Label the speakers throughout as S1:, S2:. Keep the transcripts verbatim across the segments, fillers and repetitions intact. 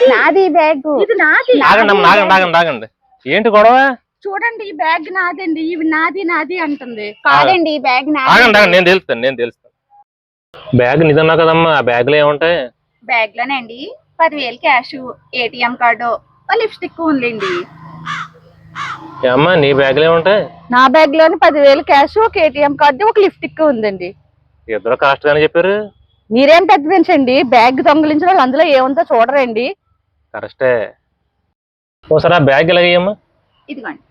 S1: నాది బ్యాగ్.
S2: ఇది నాది.
S3: ఆగండి అమ్మ, ఆగండి ఆగండి ఆగండి. ఏంటి గొడవ?
S2: చూడండి ఈ బ్యాగ్ నాదండి, ఇవి నాది నాది అంటుంది.
S1: కాదండి ఈ బ్యాగ్ నాది.
S3: ఆగండి ఆగండి, నేను తెలుస్తాను నేను తెలుస్తాను. బ్యాగ్ నిజన్నా కదమ్మా? ఆ బ్యాగ్ లో ఏముంటాయి?
S2: బ్యాగ్ లోనండి పదివేలు క్యాష్, ఏటీఎం కార్డు, లిప్స్టిక్ ఉందండి.
S3: అమ్మా నీ బ్యాగ్ లో ఏముంటాయి?
S2: నా బ్యాగ్ లోని పదివేలు క్యాష్, ఒక ఏటీఎం కార్డు, ఒక లిప్స్టిక్ ఉందండి.
S3: ఇద్దరు కాస్ట్ గానే చెప్పారు.
S2: మీరేం పెద్ద పెంచండి, బ్యాగ్ దొంగలించిన వాళ్ళు అందులో ఏముందో చూడరండి.
S3: కరెక్టే. ఓసారి ఆ బ్యాగ్ ఇలాగేయమ్మా.
S2: ఇదిగోండి.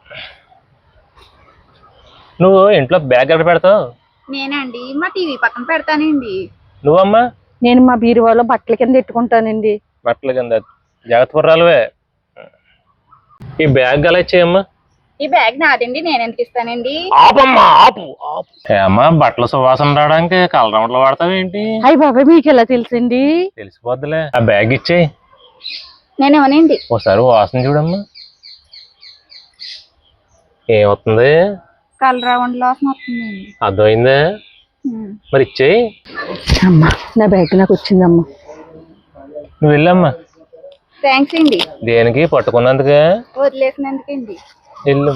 S3: నువ్వు ఇంట్లో బ్యాగ్ ఎక్కడ పెడతావు?
S2: నేనండి మా టీవీ పక్కన పెడతానండి.
S3: నువ్వమ్మా?
S2: నేను మా బీరువాలో బట్టల కింద పెట్టుకుంటానండి.
S3: బట్టల కింద జాగ్రత్త పర్రాలువే. ఈ బ్యాగ్ అలా ఇచ్చేయమ్మా.
S2: ఈ బ్యాగ్ నాదండి, నేను ఎందుకు ఇస్తానండి?
S3: ఆపమ్మా ఆపు ఆపు. ఏమ్మా బట్టల సువాసన రావడానికి కలర్ రౌండ్లు వాడతావేంటి?
S2: అయ్యి బాబాయ్ మీకు ఎలా తెలుసండి?
S3: తెలిసిపోద్దులే. ఆ బ్యాగ్ ఇచ్చేయి.
S2: నేనేమోనండి.
S3: ఒకసారి వాసన చూడమ్మా. ఏమవుతుంది?
S2: కలర్ రౌండ్ వాసన వస్తుందండి.
S3: అర్థమైందా? మరి ఇచ్చేయి.
S2: అమ్మా నా బ్యాగ్ నాకు వచ్చిందమ్మా.
S3: నువ్వు వెళ్ళమ్మా.
S2: థ్యాంక్స్ అండి.
S3: దేనికి? పట్టుకున్నందుకే?
S2: వదిలేసినందుకండి.
S3: వెళ్ళు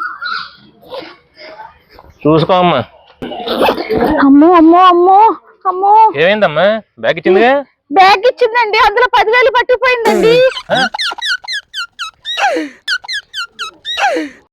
S3: చూసుకో అమ్మా.
S2: అమ్మో అమ్మో అమ్మో అమ్మో.
S3: ఏమైందమ్మా? బ్యాగ్ ఇచ్చిందిగా?
S2: బ్యాగ్ ఇచ్చిందండి, అందులో పదివేలు పట్టుకుపోయిందండి.